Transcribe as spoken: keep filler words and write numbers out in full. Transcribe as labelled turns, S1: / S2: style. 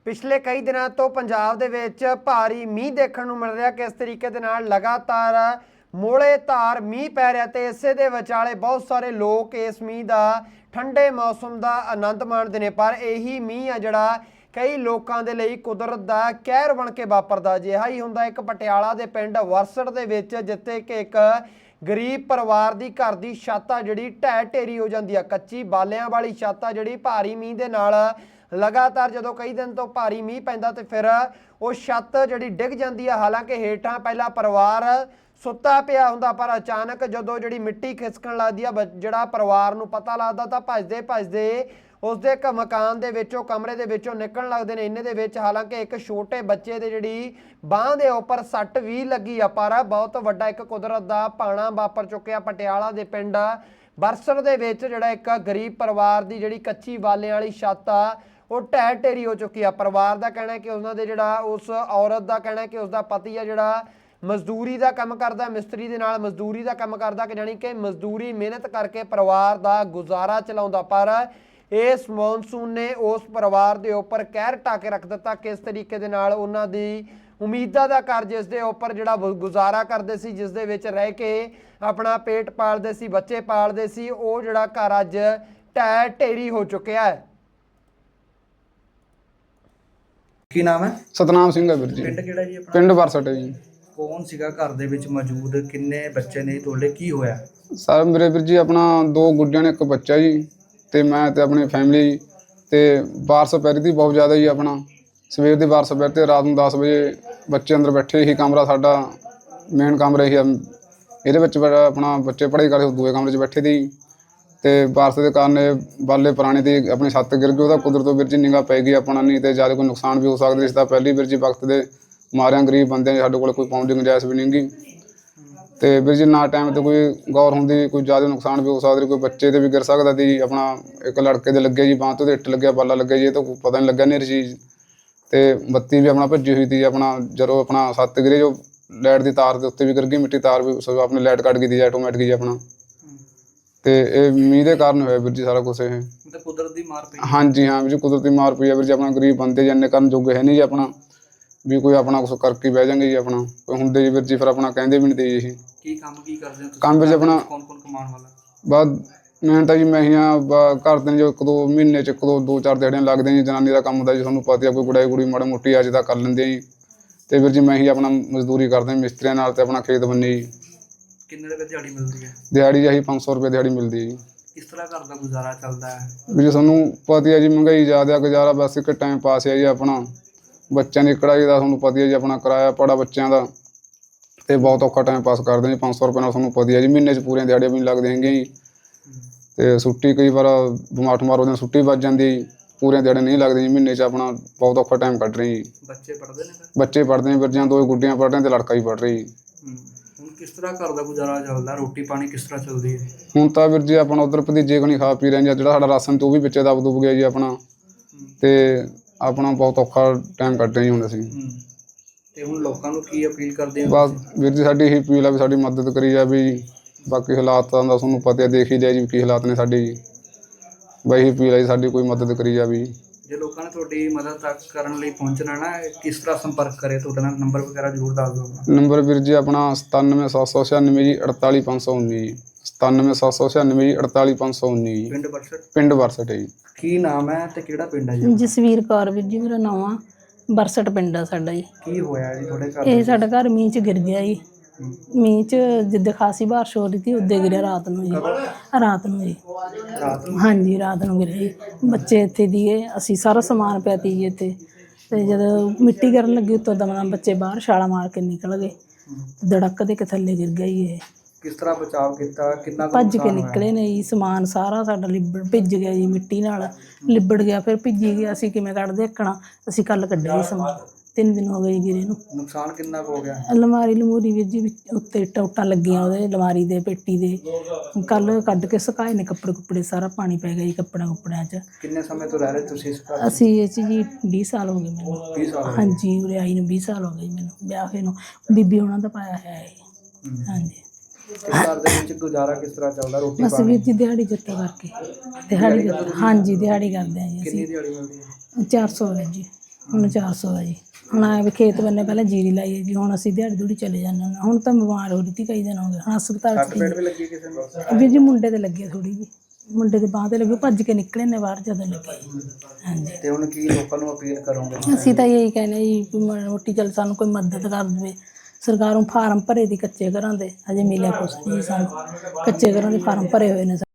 S1: ਪਿਛਲੇ ਕਈ ਦਿਨਾਂ ਤੋਂ ਪੰਜਾਬ ਦੇ ਵਿੱਚ ਭਾਰੀ ਮੀਂਹ ਦੇਖਣ ਨੂੰ ਮਿਲ ਰਿਹਾ। ਕਿਸ ਤਰੀਕੇ ਦੇ ਨਾਲ ਲਗਾਤਾਰ ਮੋਲੇ ਧਾਰ ਮੀਂਹ ਪੈ ਰਿਹਾ ਤੇ ਇਸੇ ਦੇ ਵਿਚਾਲੇ ਬਹੁਤ ਸਾਰੇ ਲੋਕ ਇਸ ਮੀਂਹ ਦਾ ਠੰਡੇ ਮੌਸਮ ਦਾ ਆਨੰਦ ਮਾਣਦੇ ਨੇ। ਪਰ ਇਹੀ ਮੀਂਹ ਆ ਜਿਹੜਾ ਕਈ ਲੋਕਾਂ ਦੇ ਲਈ ਕੁਦਰਤ ਦਾ ਕਹਿਰ ਬਣ ਕੇ ਵਾਪਰਦਾ। ਅਜਿਹਾ ਹੀ ਹੁੰਦਾ ਇੱਕ ਪਟਿਆਲਾ ਦੇ ਪਿੰਡ ਵਰਸੜ ਦੇ ਵਿੱਚ, ਜਿੱਥੇ ਕਿ ਇੱਕ ਗਰੀਬ ਪਰਿਵਾਰ ਦੀ ਘਰ ਦੀ ਛੱਤ ਆ ਜਿਹੜੀ ਢਹਿ ਢੇਰੀ ਹੋ ਜਾਂਦੀ ਆ। ਕੱਚੀ ਬਾਲਿਆਂ ਵਾਲੀ ਛੱਤ ਆ ਜਿਹੜੀ ਭਾਰੀ ਮੀਂਹ ਦੇ ਨਾਲ ਲਗਾਤਾਰ ਜਦੋਂ ਕਈ ਦਿਨ ਤੋਂ ਭਾਰੀ ਮੀਂਹ ਪੈਂਦਾ ਤੇ ਫਿਰ ਉਹ ਛੱਤ ਜਿਹੜੀ ਡਿੱਗ ਜਾਂਦੀ ਆ। ਹਾਲਾਂਕਿ ਹੇਠਾਂ ਪਹਿਲਾਂ ਪਰਿਵਾਰ ਸੁੱਤਾ ਪਿਆ ਹੁੰਦਾ, ਪਰ ਅਚਾਨਕ ਜਦੋਂ ਜਿਹੜੀ ਮਿੱਟੀ ਖਿਸਕਣ ਲੱਗਦੀ ਆ, ਜਿਹੜਾ ਪਰਿਵਾਰ ਨੂੰ ਪਤਾ ਲੱਗਦਾ ਤਾਂ ਭੱਜਦੇ ਭੱਜਦੇ ਉਸਦੇ ਇੱਕ ਮਕਾਨ ਦੇ ਵਿੱਚੋਂ ਕਮਰੇ ਦੇ ਵਿੱਚੋਂ ਨਿਕਲਣ ਲੱਗਦੇ ਨੇ। ਇੰਨੇ ਦੇ ਵਿੱਚ ਹਾਲਾਂਕਿ ਇੱਕ ਛੋਟੇ ਬੱਚੇ ਦੇ ਜਿਹੜੀ ਬਾਂਹ ਦੇ ਉੱਪਰ ਸੱਟ ਵੀ ਲੱਗੀ ਆ। ਪਰ ਬਹੁਤ ਵੱਡਾ ਇੱਕ ਕੁਦਰਤ ਦਾ ਭਾਣਾ ਵਾਪਰ ਚੁੱਕਿਆ ਪਟਿਆਲਾ ਦੇ ਪਿੰਡ ਵਰਸੜ ਦੇ ਵਿੱਚ, ਜਿਹੜਾ ਇੱਕ ਗਰੀਬ ਪਰਿਵਾਰ ਦੀ ਜਿਹੜੀ ਕੱਚੀ ਬਾਲਿਆਂ ਵਾਲੀ ਛੱਤ ਆ ਉਹ ਢਹਿ ਢੇਰੀ ਹੋ ਚੁੱਕੀ ਆ। ਪਰਿਵਾਰ ਦਾ ਕਹਿਣਾ ਕਿ ਉਹਨਾਂ ਦੇ ਜਿਹੜਾ ਉਸ ਔਰਤ ਦਾ ਕਹਿਣਾ ਕਿ ਉਸਦਾ ਪਤੀ ਆ ਜਿਹੜਾ ਮਜ਼ਦੂਰੀ ਦਾ ਕੰਮ ਕਰਦਾ, ਮਿਸਤਰੀ ਦੇ ਨਾਲ ਮਜ਼ਦੂਰੀ ਦਾ ਕੰਮ ਕਰਦਾ, ਕਿ ਜਾਣੀ ਕਿ ਮਜ਼ਦੂਰੀ ਮਿਹਨਤ ਕਰਕੇ ਪਰਿਵਾਰ ਦਾ ਗੁਜ਼ਾਰਾ ਚਲਾਉਂਦਾ। ਪਰ ਇਸ ਮੌਨਸੂਨ ਨੇ ਉਸ ਪਰਿਵਾਰ ਦੇ ਉੱਪਰ ਕਹਿਰ ਢਾ ਕੇ ਰੱਖ ਦਿੱਤਾ। ਕਿਸ ਤਰੀਕੇ ਦੇ ਨਾਲ ਉਹਨਾਂ ਦੀ ਉਮੀਦਾਂ ਦਾ ਘਰ, ਜਿਸ ਦੇ ਉੱਪਰ ਜਿਹੜਾ ਗੁਜ਼ਾਰਾ ਕਰਦੇ ਸੀ, ਜਿਸ ਦੇ ਵਿੱਚ ਰਹਿ ਕੇ ਆਪਣਾ ਪੇਟ ਪਾਲਦੇ ਸੀ, ਬੱਚੇ ਪਾਲਦੇ ਸੀ, ਉਹ ਜਿਹੜਾ ਘਰ ਅੱਜ ਢਹਿ ਢੇਰੀ ਹੋ ਚੁੱਕਿਆ ਹੈ।
S2: ਕੀ ਨਾਮ ਹੈ?
S3: ਸਤਨਾਮ ਸਿੰਘ ਹੈ ਵੀਰ ਜੀ।
S2: ਪਿੰਡ ਕਿਹੜਾ ਜੀ ਆਪਣਾ?
S3: ਪਿੰਡ ਵਰਸਟ ਹੈ ਜੀ।
S2: ਕੌਣ ਸੀਗਾ ਘਰ ਦੇ ਵਿੱਚ ਮੌਜੂਦ? ਕਿੰਨੇ ਬੱਚੇ ਨੇ ਤੁਹਾਡੇ? ਕੀ ਹੋਇਆ?
S3: ਸਰ ਮੇਰੇ ਵੀਰ ਜੀ ਆਪਣਾ ਦੋ ਗੁੱਡੀਆਂ ਨੇ, ਇੱਕ ਬੱਚਾ ਜੀ, ਤੇ ਮੈਂ ਤੇ ਆਪਣੀ ਫੈਮਿਲੀ। ਤੇ ਬਾਰਿਸ਼ ਪੈ ਰਹੀ ਸੀ ਬਹੁਤ ਜ਼ਿਆਦਾ ਜੀ। ਆਪਣਾ ਸਵੇਰ ਦੀ ਬਾਰਿਸ਼ ਪੈ ਤੇ ਰਾਤ ਨੂੰ ਦਸ ਵਜੇ ਬੱਚੇ ਅੰਦਰ ਬੈਠੇ ਹੀ। ਕਮਰਾ ਸਾਡਾ ਮੇਨ ਕਮਰਾ ਹੀ, ਇਹਦੇ ਵਿੱਚ ਆਪਣਾ ਬੱਚੇ ਪੜ੍ਹਾਈ ਕਰਦੇ ਦੂਏ ਕਮਰੇ 'ਚ ਬੈਠੇ ਸੀ। ਤੇ ਬਾਰਿਸ਼ ਦੇ ਕਾਰਨ ਬਾਲੇ ਪੁਰਾਣੇ ਦੀ ਆਪਣੀ ਛੱਤ ਗਿਰ ਗਈ। ਉਹਦਾ ਕੁਦਰਤੋਂ ਵੀਰ ਜੀ ਨਿਗਾਹ ਪੈ ਗਈ ਆਪਣਾ, ਨਹੀਂ ਤੇ ਜ਼ਿਆਦਾ ਕੋਈ ਨੁਕਸਾਨ ਵੀ ਹੋ ਸਕਦਾ। ਇਸ ਦਾ ਪਹਿਲੀ ਵੀਰ ਜੀ ਵਕਤ ਦੇ ਮਾਰਿਆਂ ਗਰੀਬ ਬੰਦੇ ਸਾਡੇ ਕੋਲ ਕੋਈ ਪਾਉਣ ਦੀ ਗੁੰਜਾਇਸ਼ ਵੀ ਨਹੀਂ ਗੀ। ਤੇ ਵੀਰ ਜੀ ਨਾ ਟਾਈਮ 'ਤੇ ਕੋਈ ਗੌਰ ਹੁੰਦੀ, ਕੋਈ ਜ਼ਿਆਦਾ ਨੁਕਸਾਨ ਵੀ ਹੋ ਸਕਦਾ। ਕੋਈ ਬੱਚੇ 'ਤੇ ਵੀ ਗਿਰ ਸਕਦਾ ਸੀ। ਆਪਣਾ ਇੱਕ ਲੜਕੇ ਦੇ ਲੱਗਿਆ ਜੀ ਬਾਂਹ ਤੋਂ, ਇੱਟ ਲੱਗਿਆ, ਬਾਲਾ ਲੱਗਿਆ ਜੀ, ਇਹ ਤਾਂ ਪਤਾ ਨਹੀਂ ਲੱਗਿਆ ਨਹੀਂ ਚੀਜ਼। ਤੇ ਬੱਤੀ ਵੀ ਆਪਣਾ ਭੱਜੀ ਹੋਈ ਸੀ ਆਪਣਾ। ਜਦੋਂ ਆਪਣਾ ਛੱਤ ਗਿਰੇ, ਜੋ ਲਾਈਟ ਦੀ ਤਾਰ ਦੇ ਉੱਤੇ ਵੀ ਗਿਰ ਗਈ ਮਿੱਟੀ, ਤਾਰ ਵੀ ਆਪਣੀ ਲਾਈਟ ਕੱਟ ਗਈ ਸੀ ਆਟੋਮੈਟਿਕ ਜੀ ਆਪਣਾ। ਤੇ ਇਹ ਮੀਂਹ ਦੇ ਕਾਰਨ ਹੋਇਆ ਵੀਰ ਜੀ ਸਾਰਾ ਕੁਛ। ਇਹ
S2: ਮਤਲਬ ਕੁਦਰਤ ਦੀ ਮਾਰ ਪਈ?
S3: ਹਾਂਜੀ ਹਾਂ ਵੀਰ ਜੀ, ਕੁਦਰਤੀ ਮਾਰ ਪਈ ਆ ਵੀਰ ਜੀ। ਆਪਣਾ ਗਰੀਬ ਬੰਦੇ ਜੰਨੇ ਕਰਨ ਜੋਗੇ ਹੈ ਨਹੀਂ ਜੀ ਆਪਣਾ, ਵੀ ਕੋਈ ਆਪਣਾ ਕੁਛ ਕਰਕੇ ਬਹਿ ਜਾਂਗੇ ਜੀ ਆਪਣਾ। ਕੋਈ ਹੁੰਦੇ ਜੀ ਵੀਰ ਜੀ, ਫਿਰ ਆਪਣਾ ਕਹਿੰਦੇ ਵੀ ਨਹੀਂ ਤੇ ਜੀ।
S2: ਕੀ ਕੰਮ ਕੀ ਕਰਦੇ ਹੋ ਤੁਸੀਂ?
S3: ਕੰਮ ਵਿੱਚ ਆਪਣਾ
S2: ਕੌਣ ਕੌਣ ਕਮਾਉਣ ਵਾਲਾ?
S3: ਬਾਅਦ ਮੈਂ ਤਾਂ ਜੀ ਮੈਂ ਹੀ ਹਾਂ ਘਰ ਦੇ ਜੋ ਇੱਕ ਦੋ ਮਹੀਨੇ 'ਚ ਇੱਕ ਦੋ ਦੋ ਚਾਰ ਦਿਹਾੜੀਆਂ ਲੱਗਦੇ ਜੀ। ਜਨਾਨੀ ਦਾ ਕੰਮ ਹੁੰਦਾ ਜੀ, ਤੁਹਾਨੂੰ ਪਤਾ, ਕੋਈ ਗੁੜਾਈ ਗੁੜੀ ਮਾੜਾ ਮੋਟੀ ਅੱਜ ਤਾਂ ਕਰ ਲੈਂਦੇ ਜੀ। ਤੇ ਵੀਰ ਜੀ ਮੈਂ ਹੀ ਆਪਣਾ ਮਜ਼ਦੂਰੀ ਕਰਦੇ ਮਿਸਤਰੀਆਂ ਨਾਲ, ਤੇ ਆਪਣਾ ਖੇਤ ਬੰਨੇ ਜੀ।
S2: ਕਿੰਨੇ ਰੁਪਏ ਦਿਹਾੜੀ ਮਿਲਦੀ ਹੈ?
S3: ਦਿਹਾੜੀ ਜੀ ਪੰਜ ਸੌ ਰੁਪਏ ਦਿਹਾੜੀ ਮਿਲਦੀ ਹੈ ਜੀ।
S2: ਕਿਸ ਤਰ੍ਹਾਂ ਘਰ ਦਾ ਗੁਜ਼ਾਰਾ ਚੱਲਦਾ ਹੈ?
S3: ਵੀ ਜੀ ਤੁਹਾਨੂੰ ਪਤਾ ਹੈ ਜੀ, ਮਹਿੰਗਾਈ ਜ਼ਿਆਦਾ, ਗੁਜ਼ਾਰਾ ਬਸ ਇੱਕ ਟਾਈਮ ਪਾਸ ਹੈ ਜੀ ਆਪਣਾ। ਬੱਚਿਆਂ ਦੀ ਕੜਾਈ ਦਾ ਤੁਹਾਨੂੰ ਪਤਾ ਹੈ ਜੀ, ਆਪਣਾ ਕਿਰਾਇਆ ਪੜਾ ਬੱਚਿਆਂ ਦਾ, ਤੇ ਬਹੁਤ ਔਖਾ ਟਾਈਮ ਪਾਸ ਕਰਦੇ ਜੀ। ਪੰਜ ਸੌ ਰੁਪਏ ਨਾਲ ਤੁਹਾਨੂੰ ਪਤਾ ਹੈ ਜੀ, ਮਹੀਨੇ 'ਚ ਪੂਰੀਆਂ ਦਿਹਾੜੀਆਂ ਵੀ ਨਹੀਂ ਲੱਗਦੀਆਂ ਹੈਗੀਆਂ ਜੀ। ਤੇ ਛੁੱਟੀ ਕਈ ਵਾਰ ਬਿਮਾਰ ਠਮਾਰ ਉਹਦੇ ਛੁੱਟੀ ਵੱਜ ਜਾਂਦੀ ਜੀ, ਪੂਰੀਆਂ ਦਿਹਾੜੀਆਂ ਨਹੀਂ ਲੱਗਦੀਆਂ ਜੀ ਮਹੀਨੇ 'ਚ। ਆਪਣਾ ਬਹੁਤ ਔਖਾ ਟਾਈਮ ਕੱਢ ਰਹੇ ਜੀ।
S2: ਬੱਚੇ ਪੜ੍ਹਦੇ ਨੇ?
S3: ਬੱਚੇ ਪੜ੍ਹਦੇ ਨੇ ਵੀਰ ਜੀ, ਦੋ ਗੁੱਡੀਆਂ ਪੜ੍ਹ ਰਹੀਆਂ ਤੇ ਲੜਕਾ ਵੀ ਪੜ੍ਹ ਰਹੀ ਜੀ।
S2: ਹੁਣ ਕਿਸ ਤਰ੍ਹਾਂ ਘਰ ਦਾ ਗੁਜ਼ਾਰਾ ਚੱਲਦਾ? ਰੋਟੀ ਪਾਣੀ ਕਿਸ ਤਰ੍ਹਾਂ ਚੱਲਦੀ ਹੈ?
S3: ਹੁਣ ਤਾਂ ਵੀਰ ਜੀ ਆਪਣਾ ਉੱਧਰ ਭਤੀਜੇ ਕੋਲ ਨਹੀਂ ਖਾ ਪੀ ਰਹੇ ਜੀ। ਜਿਹੜਾ ਸਾਡਾ ਰਾਸ਼ਨ ਤੇ ਉਹ ਵੀ ਵਿੱਚੇ ਦਬ ਦੁਬ ਗਿਆ ਜੀ ਆਪਣਾ। ਤੇ ਆਪਣਾ ਬਹੁਤ ਔਖਾ ਟਾਈਮ ਕੱਢ ਰਹੇ ਜੀ ਹੁਣ ਅਸੀਂ।
S2: ਤੇ ਹੁਣ ਲੋਕਾਂ ਨੂੰ ਕੀ ਅਪੀਲ ਕਰਦੇ ਹੋ?
S3: ਬਸ ਵੀਰ ਜੀ ਸਾਡੀ ਇਹੀ ਅਪੀਲ ਆ ਵੀ ਸਾਡੀ ਮਦਦ ਕਰੀ ਜਾਵੇ ਜੀ। ਬਾਕੀ ਹਾਲਾਤਾਂ ਦਾ ਤੁਹਾਨੂੰ ਪਤਾ ਦੇਖ ਹੀ ਲਿਆ ਜੀ ਕੀ ਹਾਲਾਤ ਨੇ ਸਾਡੇ ਜੀ। ਬਈ ਇਹੀ ਅਪੀਲ ਆ ਜੀ ਸਾਡੀ, ਕੋਈ ਮਦਦ ਕਰੀ ਜਾਵੇ ਜੀ।
S2: ਜੇ ਲੋਕਾਂ ਨੇ ਤੁਹਾਡੀ ਮਦਦ ਤੱਕ ਕਰਨ ਲਈ ਪਹੁੰਚਣਾ ਨਾ, ਕਿਸ ਤਰ੍ਹਾਂ ਸੰਪਰਕ ਕਰੇ ਤੁਹਾਡੇ ਨਾਲ? ਨੰਬਰ ਵਗੈਰਾ ਜ਼ਰੂਰ ਦੱਸ ਦਿਓ।
S3: ਨੰਬਰ ਵੀਰ ਜੀ ਆਪਣਾ ਸਤਾਨਵੇਂ ਸੱਤ ਸੌ ਛਿਆਨਵੇਂ ਜੀ ਅੜਤਾਲੀ ਪੰਜ ਸੌ ਉੱਨੀ ਜੀ। ਸਤਾਨਵੇਂ ਸੱਤ ਸੌ ਛਿਆਨਵੇਂ ਜੀ ਅੜਤਾਲੀ ਪੰਜ ਸੌ ਉੱਨੀ ਜੀ।
S2: ਪਿੰਡ ਵਰਸਟ?
S3: ਪਿੰਡ ਵਰਸਟ ਹੈ ਜੀ।
S2: ਕੀ ਨਾਮ ਹੈ ਤੇ ਕਿਹੜਾ ਪਿੰਡ ਹੈ ਜੀ?
S4: ਜਸਵੀਰ ਕੌਰ ਵੀਰ ਜੀ ਮੇਰਾ ਨਾਮ ਆ। ਵਰਸਟ ਪਿੰਡ ਆ ਸਾਡਾ ਜੀ।
S2: ਕੀ ਹੋਇਆ ਜੀ ਤੁਹਾਡੇ ਘਰ?
S4: ਇਹ ਸਾਡਾ ਘਰ ਮੀਂਹ 'ਚ ਗਿਰ ਗਿਆ ਜੀ। ਮੀਂਹ 'ਚ ਜਿੱਦਾਂ ਖਾਸੀ ਬਾਰਿਸ਼ ਹੋ ਰਹੀ ਸੀ ਉੱਦੇ ਗਿਰਿਆ ਰਾਤ ਨੂੰ ਜੀ। ਰਾਤ ਨੂੰ ਜੀ
S2: ਰਾਤ ਨੂੰ?
S4: ਹਾਂਜੀ ਰਾਤ ਨੂੰ ਗਿਰਿਆ ਜੀ। ਬੱਚੇ ਇੱਥੇ ਦੀਏ, ਅਸੀਂ ਸਾਰਾ ਸਮਾਨ ਪਿਆ ਤੀ ਜੀ ਇੱਥੇ। ਤੇ ਜਦੋਂ ਮਿੱਟੀ ਗਿਰਨ ਲੱਗੀ ਉੱਤੋਂ ਦਮ ਬੱਚੇ ਬਾਹਰ ਛਾਲਾ ਮਾਰ ਕੇ ਨਿਕਲ ਗਏ। ਧੜਕ ਦੇ ਕੇ ਥੱਲੇ ਗਿਰ ਗਿਆ ਜੀ ਇਹ।
S2: ਕਿਸ ਤਰ੍ਹਾਂ ਬਚਾਅ ਕੀਤਾ? ਕਿੰਨਾ ਕੁ
S4: ਭੱਜ ਕੇ
S2: ਨੁਕਸਾਨ ਹੋਇਆ?
S4: ਨਿਕਲੇ ਨੇ ਜੀ। ਸਮਾਨ ਸਾਰਾ ਸਾਡਾ ਲਿਬੜ ਭਿੱਜ ਗਿਆ ਜੀ, ਮਿੱਟੀ ਨਾਲ ਲਿਬੜ ਗਿਆ, ਫਿਰ ਭਿੱਜੀ ਗਿਆ। ਅਸੀਂ ਕਿਵੇਂ ਕੱਢਦੇ ਦੇਖਣਾ, ਅਸੀਂ ਕੱਲ੍ਹ ਕੱਢਿਆ ਜੀ ਸਮਾਨ। ਤਿੰਨ ਦਿਨ ਹੋ ਗਏ ਜੀ ਗਿਰੇ ਨੂੰ।
S2: ਨੁਕਸਾਨ ਕਿੰਨਾ ਕੁ ਹੋ ਗਿਆ?
S4: ਅਲਮਾਰੀ ਲਮੂਰੀ ਵੀਰ ਜੀ ਉੱਤੇ ਟੋਟਾਂ ਲੱਗੀਆਂ ਉਹਦੇ ਅਲਮਾਰੀ ਦੇ, ਪੇਟੀ ਦੇ। ਕੱਲ੍ਹ ਕੱਢ ਕੇ ਸੁਕਾਏ ਨੇ ਕੱਪੜੇ ਕੁੱਪੜੇ, ਸਾਰਾ ਪਾਣੀ ਪੈ ਗਿਆ ਜੀ ਕੱਪੜਿਆਂ ਕੁੱਪੜਿਆਂ 'ਚ।
S2: ਕਿੰਨੇ ਸਮੇਂ ਤੋਂ ਰਹਿ ਰਹੇ ਤੁਸੀਂ ਇਸ ਘਰ?
S4: ਅਸੀਂ ਇਹ 'ਚ ਜੀ ਵੀਹ ਸਾਲ ਹੋ ਗਏ ਮੈਨੂੰ।
S2: ਵੀਹ ਸਾਲ?
S4: ਹਾਂਜੀ ਉਰੇ ਆਈ ਨੂੰ ਵੀਹ ਸਾਲ ਹੋ ਗਏ ਜੀ ਮੈਨੂੰ, ਵਿਆਹ ਹੋਏ ਨੂੰ। ਬੀਬੀ ਉਹਨਾਂ ਦਾ ਪਾਇਆ ਹੈ ਇਹ। ਹਾਂਜੀ।
S2: ਘਰ ਦੇ ਵਿੱਚ ਗੁਜ਼ਾਰਾ ਕਿਸ ਤਰ੍ਹਾਂ ਚੱਲਦਾ? ਰੋਟੀ
S4: ਬਸ ਵੀਰ ਜੀ ਦਿਹਾੜੀ ਜੱਤਾ ਕਰਕੇ। ਦਿਹਾੜੀ ਹਾਂਜੀ ਦਿਹਾੜੀ ਕਰਦੇ ਹਾਂ ਜੀ
S2: ਕਿੰਨੀ
S4: ਅਸੀਂ।
S2: ਦਿਹਾੜੀ ਮਿਲਦੀ ਹੈ?
S4: ਚਾਰ ਸੌ ਵੀਰ ਜੀ। ਹੁਣ ਚਾਰ ਸੌ ਆ ਜੀ। ਹੁਣ ਆਏ ਵੀ ਖੇਤ ਬੰਨੇ ਪਹਿਲਾਂ ਜੀਰੀ ਲਾਈ ਹੈ ਜੀ, ਹੁਣ ਅਸੀਂ ਦਿਹਾੜੀ ਦੂੜੀ ਚਲੇ ਜਾਂਦੇ ਹਾਂ। ਹੁਣ ਤਾਂ ਬਿਮਾਰ ਹੋ ਰਹੀ ਤੀ ਕਈ ਦਿਨ ਹੋ ਗਏ, ਹੁਣ ਹਸਪਤਾਲ
S2: ਸੱਟ
S4: ਚ
S2: ਪੇਟ ਵੀ ਲੱਗੀ ਕਿਸੇ ਨੂੰ?
S4: ਵੀ ਜੀ ਮੁੰਡੇ ਤੇ ਲੱਗੇ ਥੋੜੀ ਜੀ, ਮੁੰਡੇ ਦੇ ਬਾਂਹ ਤੇ ਲੱਗੇ, ਭੱਜ ਕੇ ਨਿਕਲੇ ਨੇ ਬਾਹਰ ਜਦੋਂ ਲੱਗੇ। ਹਾਂਜੀ
S2: ਤੇ ਹੁਣ ਕੀ ਲੋਕਾਂ ਨੂੰ ਅਪੀਲ ਕਰੋਗੇ?
S4: ਅਸੀਂ ਤਾਂ ਇਹੀ ਕਹਿੰਦੇ ਜੀ ਵੀ ਮਾੜੀ ਮੋਟੀ ਚੱਲ ਸਾਨੂੰ ਕੋਈ ਮਦਦ ਕਰ ਦੇਵੇ ਸਰਕਾਰੋਂ। ਫਾਰਮ ਭਰੇ ਦੀ ਕੱਚੇ ਘਰਾਂ ਦੇ, ਹਜੇ ਮਿਲਿਆ ਕੁਛ ਨਹੀਂ ਸਾਨੂੰ। ਕੱਚੇ ਘਰਾਂ ਦੇ ਫਾਰਮ ਭਰੇ ਹੋਏ ਨੇ।